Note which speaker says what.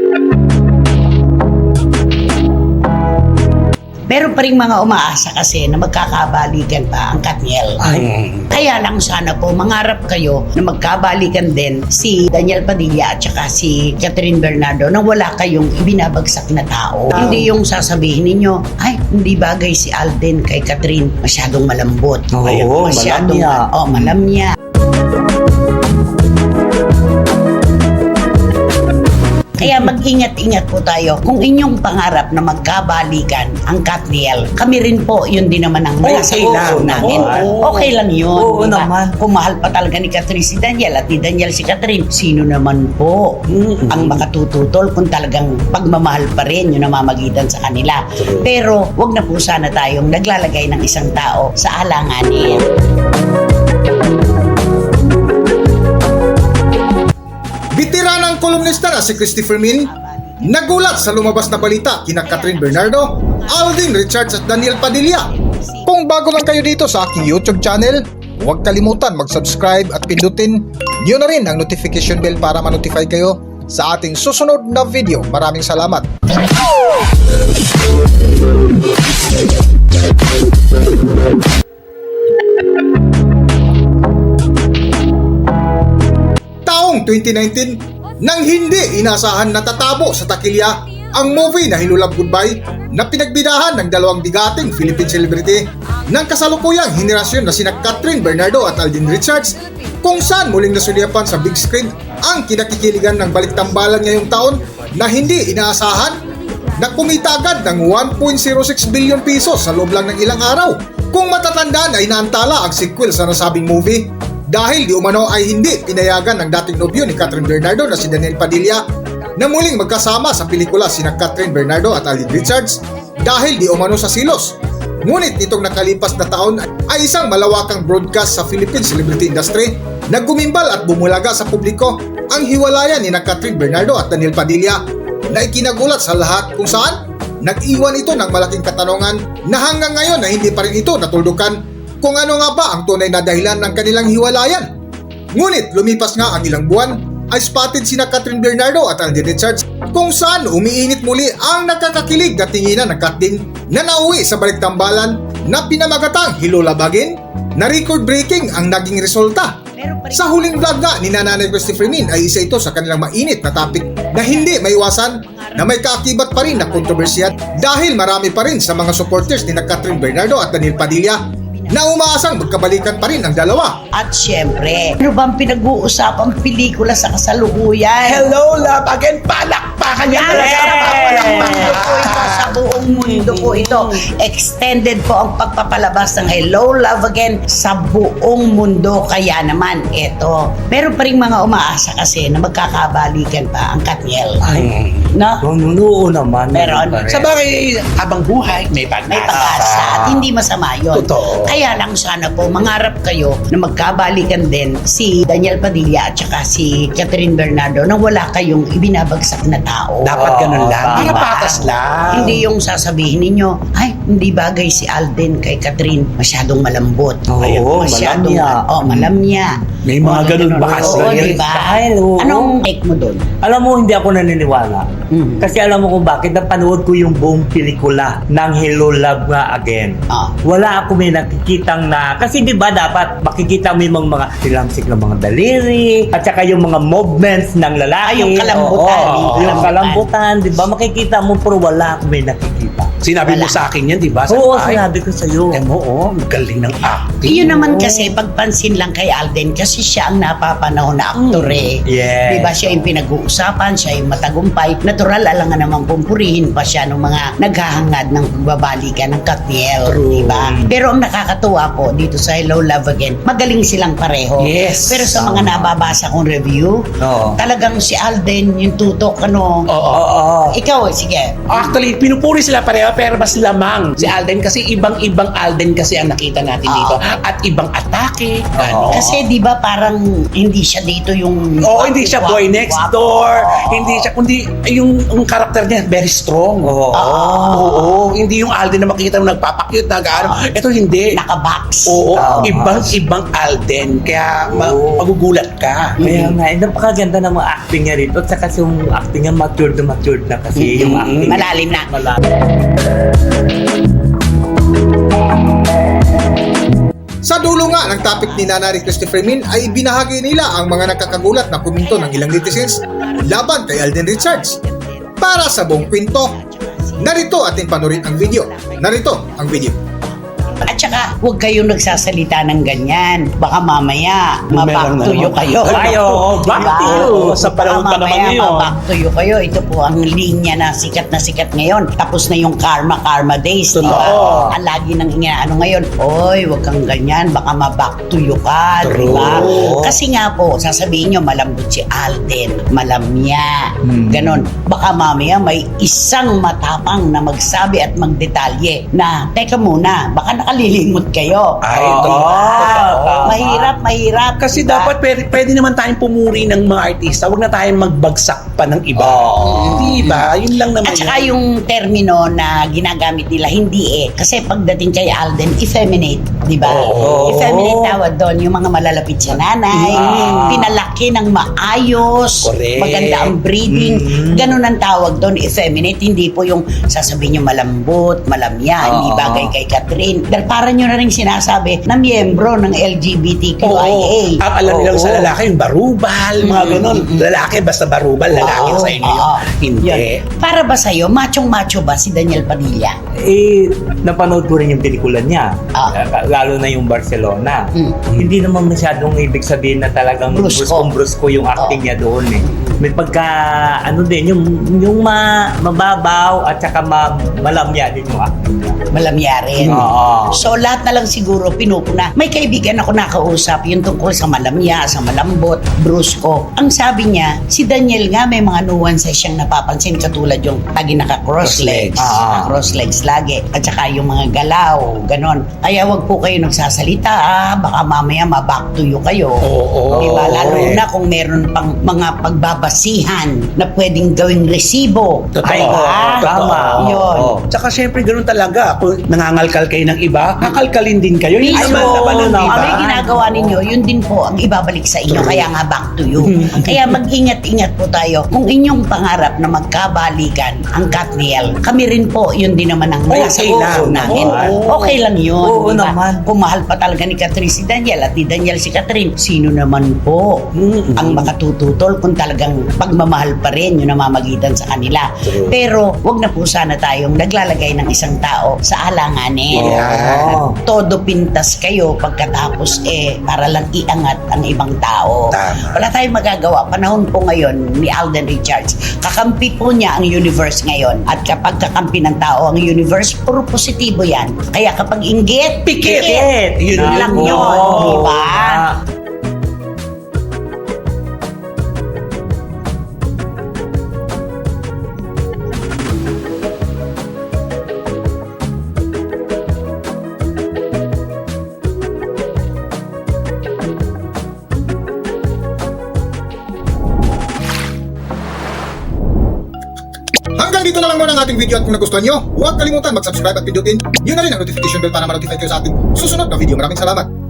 Speaker 1: Meron pa rin mga umaasa kasi na magkakabalikan pa ang Katniel. Kaya lang sana po mangarap kayo na magkabalikan din si Daniel Padilla at saka si Catherine Bernardo na wala kayong ibinabagsak na tao. Hindi yung sasabihin ninyo, ay, hindi bagay si Alden kay Catherine. Masyadong malambot.
Speaker 2: Oo,
Speaker 1: masyadong
Speaker 2: malamya.
Speaker 1: malamya. Kaya mag-ingat-ingat po tayo. Kung inyong pangarap na magkabalikan ang Katniel, kami rin po, yun din naman ang nasa puso namin. Okay lang yun.
Speaker 2: Oo
Speaker 1: diba?
Speaker 2: naman.
Speaker 1: Kung mahal pa talaga ni Catherine si Daniel at ni Daniel si Catherine, sino naman po ang makatututol kung talagang pagmamahal pa rin yung namamagitan sa kanila. Pero wag na po sana tayong naglalagay ng isang tao sa alanganin.
Speaker 3: Bitiranang kolumnista na si Christopher Min nagulat sa lumabas na balita kina Catherine Bernardo, Alden Richards at Daniel Padilla. Kung bago lang kayo dito sa aking YouTube channel, huwag kalimutan mag-subscribe at pindutin niyo na rin ang notification bell para ma-notify kayo sa ating susunod na video. Maraming salamat. Taong 2019, nang hindi inasahan na tatabo sa takilya ang movie na Hello Love Goodbye na pinagbidahan ng dalawang bigating Philippine celebrity ng kasalukuyang henerasyon na sina Catherine Bernardo at Alden Richards, kung saan muling nasulyapan sa big screen ang kinakikiligan ng baliktambalan ngayong taon na hindi inaasahan na kumita agad ng 1.06 billion pesos sa loob lang ng ilang araw. Kung matatandaan ay naantala ang sequel sa nasabing movie dahil di umano ay hindi pinayagan ng dating nobyo ni Catherine Bernardo na si Daniel Padilla na muling magkasama sa pelikula sina Catherine Bernardo at Alden Richards dahil di umano sa silos. Ngunit nitong nakalipas na taon ay isang malawakang broadcast sa Philippine celebrity industry na gumimbal at bumulaga sa publiko ang hiwalayan ni Catherine Bernardo at Daniel Padilla na ikinagulat sa lahat kung saan nag-iwan ito ng malaking katanungan na hanggang ngayon na hindi pa rin ito natuldukan kung ano nga ba ang tunay na dahilan ng kanilang hiwalayan. Ngunit lumipas nga ang ilang buwan ay spotted sina Catherine Bernardo at Alden Richards kung saan umiinit muli ang nakakakilig na tinginan ng Katdin na nauwi sa baliktambalan na pinamagatang Hello Love Again na record-breaking ang naging resulta. Sa huling vlog nga ni Nanay Christopher Min ay isa ito sa kanilang mainit na topic na hindi maiwasan na may kaakibat pa rin na kontrobersiya dahil marami pa rin sa mga supporters ni Catherine Bernardo at Daniel Padilla na umaasang magkabalikan pa rin ang dalawa.
Speaker 1: At syempre, ano bang pinag-uusapang pelikula sa kasalukuyan?
Speaker 2: Hello Love Again, palakpakan niya
Speaker 1: Sa buong mundo po ito. Extended po ang pagpapalabas ng Hello Love Again sa buong mundo. Kaya naman, eto, meron pa rin mga umaasa kasi na magkakabalikan pa ang Katniel. No?
Speaker 2: Oo naman.
Speaker 1: Meron.
Speaker 4: Sa bagay, habang buhay, may pag-asa.
Speaker 1: May pag-asa at hindi masama yun.
Speaker 4: Totoo.
Speaker 1: Kaya lang sana po mangarap kayo na magkabalikan din si Daniel Padilla at saka si Catherine Bernardo na wala kayong ibinabagsak na tao.
Speaker 4: Dapat ganun lang. Para
Speaker 1: Diba?
Speaker 4: patas lang.
Speaker 1: Hindi yung sasabihin ninyo, ay, hindi bagay si Alden kay Catherine. Masyadong malambot.
Speaker 2: Oo,
Speaker 1: masyadong
Speaker 2: malamya.
Speaker 1: malamya.
Speaker 4: May mga ganun bakas
Speaker 1: Oo,
Speaker 4: lang yan.
Speaker 1: diba?
Speaker 2: Dahil, oo.
Speaker 1: Anong take mo doon?
Speaker 2: Alam mo, hindi ako naniniwala.
Speaker 1: Mhm.
Speaker 2: Kasi alam mo kung bakit napanood ko yung buong pelikula ng Hello Love nga Again.
Speaker 1: Ah.
Speaker 2: Wala ako may nakikitang na, kasi di ba dapat makikita mo yung mga tilamsik ng mga daliri, at saka yung mga movements ng lalaki.
Speaker 1: Yung kalambutan.
Speaker 2: Oo, yung kalambutan, di ba? Makikita mo, pero wala ako may nakikita.
Speaker 4: Sinabi mo
Speaker 1: Wala.
Speaker 4: sa akin yan, di ba?
Speaker 2: Oo,
Speaker 4: Ay,
Speaker 2: sinabi ko sa'yo.
Speaker 4: oo, galing ng acting.
Speaker 1: Iyon naman kasi pagpansin lang kay Alden kasi siya ang napapanahon na aktor eh.
Speaker 2: Yes.
Speaker 1: Diba siya yung pinag-uusapan, siya yung matagumpay. Natural, alangan namang pumpurihin pa siya ng mga naghahangad ng pagbabalikan ng Katniel.
Speaker 4: True.
Speaker 1: Diba? Pero ang nakakatuwa po dito sa Hello Love Again, magaling silang pareho.
Speaker 4: Yes.
Speaker 1: Pero sa mga nababasa kong review,
Speaker 2: Oo.
Speaker 1: talagang si Alden yung tutok, ano.
Speaker 4: Oo.
Speaker 2: Oo.
Speaker 1: Ikaw, sige.
Speaker 4: Actually, pinupuri sila pareho pero mas lamang si Alden kasi ibang-ibang Alden kasi ang nakita natin dito. At ibang atake. Ano?
Speaker 1: Kasi di ba parang hindi siya dito yung...
Speaker 4: Oo, hindi siya boy next door. Hindi siya, kundi yung karakter niya very strong. Oo, hindi yung Alden na makikita mo nagpapakyut na gaano. Ito hindi.
Speaker 1: Nakabox.
Speaker 4: Oo, ibang Alden. Kaya magugulat ka.
Speaker 2: Kaya nga, napakaganda ng mga acting niya rito. At saka yung acting niya matured na kasi yung acting.
Speaker 1: Malalim na.
Speaker 3: Sa dulo nga ng topic ni Nanay Christopher Min ay binahagi nila ang mga nakakagulat na komento ng ilang netizens laban kay Alden Richards. Para sa buong kwento, narito ating panurin ang video. Narito ang video.
Speaker 1: At saka, huwag kayong nagsasalita ng ganyan. Baka mamaya,
Speaker 4: Meron na
Speaker 1: mabaktuyo
Speaker 4: naman.
Speaker 1: kayo.
Speaker 2: Ay, oo, back to you.
Speaker 4: Sa panahon pa naman ngayon.
Speaker 1: Mabaktuyo kayo. Ito po ang linya na sikat ngayon. Tapos na yung Karma Days, di ba?
Speaker 4: Totoo.
Speaker 1: Ang lagi nang inaano ngayon, oy, huwag kang ganyan, baka mabaktuyo ka, di ba?
Speaker 4: True.
Speaker 1: Kasi nga po, sasabihin nyo, malambot si Alden, malamya, ganon. Baka mamaya may isang matapang na magsabi at magdetalye na, teka muna, baka nakalilimot kayo.
Speaker 4: Ay,
Speaker 1: Di ba?
Speaker 2: tama.
Speaker 1: Mahirap.
Speaker 4: Kasi
Speaker 1: di ba?
Speaker 4: dapat pwede naman tayong pumuri ng mga artista. Huwag na tayong magbagsak pa ng iba. Di ba? Yun lang naman.
Speaker 1: At saka yung termino na ginagamit nila, hindi eh. Kasi pagdating kay Alden, effeminate, di ba?
Speaker 4: Oo.
Speaker 1: Effeminate tawag doon, yung mga malalapit sa nanay, pinalaki ng maayos,
Speaker 4: Correct.
Speaker 1: maganda ang breeding, ganun ang tawag doon, effeminate. Hindi po yung sasabihin nyo malambot, malamya, hindi bagay kay Catherine. Dahil para nyo na rin sinasabi na miyembro ng LGBTQIA.
Speaker 4: Ang alam nilang sa lalaki, yung barubal, mga ganun. Lalaki, basta barubal, lalaki
Speaker 1: Oo,
Speaker 4: sa inyo yun.
Speaker 1: oo.
Speaker 4: Hindi.
Speaker 1: Yun. Para ba sa'yo, machong-macho ba si Daniel Padilla?
Speaker 2: Napanood ko rin yung pelikula niya.
Speaker 1: Ah.
Speaker 2: Lalo na yung Barcelona. Hindi naman masyadong ibig sabihin na talagang
Speaker 1: Brusko.
Speaker 2: brusko yung acting niya doon eh. May pagka, ano din, yung mababaw at saka malamya din yung acting niya.
Speaker 1: Malamya rin.
Speaker 2: Oo.
Speaker 1: So lahat na lang siguro pinupuna. May kaibigan ako nakausap yung tungkol sa malamya, sa malambot, brusko. Ang sabi niya, si Daniel nga may mga nuances siyang napapansin katulad yung lagi naka-cross legs. Cross legs lagi. At saka yung mga galaw, ganon. Kaya wag po kayo nagsasalita, baka mamaya mabaktuyo kayo.
Speaker 4: Oo.
Speaker 1: Diba? Lalo
Speaker 4: Correct.
Speaker 1: na kung meron pang mga pagbabasihan na pwedeng gawing resibo.
Speaker 4: Totoo.
Speaker 1: Diba?
Speaker 2: Tama.
Speaker 1: Yun.
Speaker 4: Tsaka syempre ganoon talaga. Kung nangangalkal kayo ng iba, kakalkalin din kayo. Yung
Speaker 1: Mismo,
Speaker 4: naman ng iba.
Speaker 1: ang may ginagawa ninyo, yun din po ang ibabalik sa inyo. Kaya nga back to you. Kaya mag-ingat-ingat po tayo. Kung inyong pangarap na magkabalikan ang Katniel, kami rin po, yun din naman ang nasa
Speaker 4: Okay lang.
Speaker 1: puso namin.
Speaker 2: Oo.
Speaker 1: Okay lang yun.
Speaker 2: Oo
Speaker 1: di ba?
Speaker 2: naman.
Speaker 1: Kung mahal pa talaga ni Catherine si Daniel at ni Daniel si Catherine, sino naman po ang makatututol kung talagang pagmamahal pa rin yung namamagitan sa kanila.
Speaker 4: True.
Speaker 1: Pero wag na po sana tayong naglalagay ng isang tao sa alanganin.
Speaker 2: Oo.
Speaker 1: Todo pintas kayo pagkatapos para lang iangat ang ibang tao.
Speaker 4: Tama.
Speaker 1: Wala tayong magagawa. Panahon po ngayon ni Alden Richards. Kakampi po niya ang universe ngayon. At kapag kakampi ng tao ang universe, puro positibo yan. Kaya kapag inggit,
Speaker 2: Pikit!
Speaker 1: Yun lang yun. Di ba?
Speaker 3: Hanggang dito na lang muna ang ating video at kung nagustuhan nyo, huwag kalimutan mag-subscribe at pindutin yun na rin ang notification bell para ma-notify kayo sa ating susunod na video. Maraming salamat!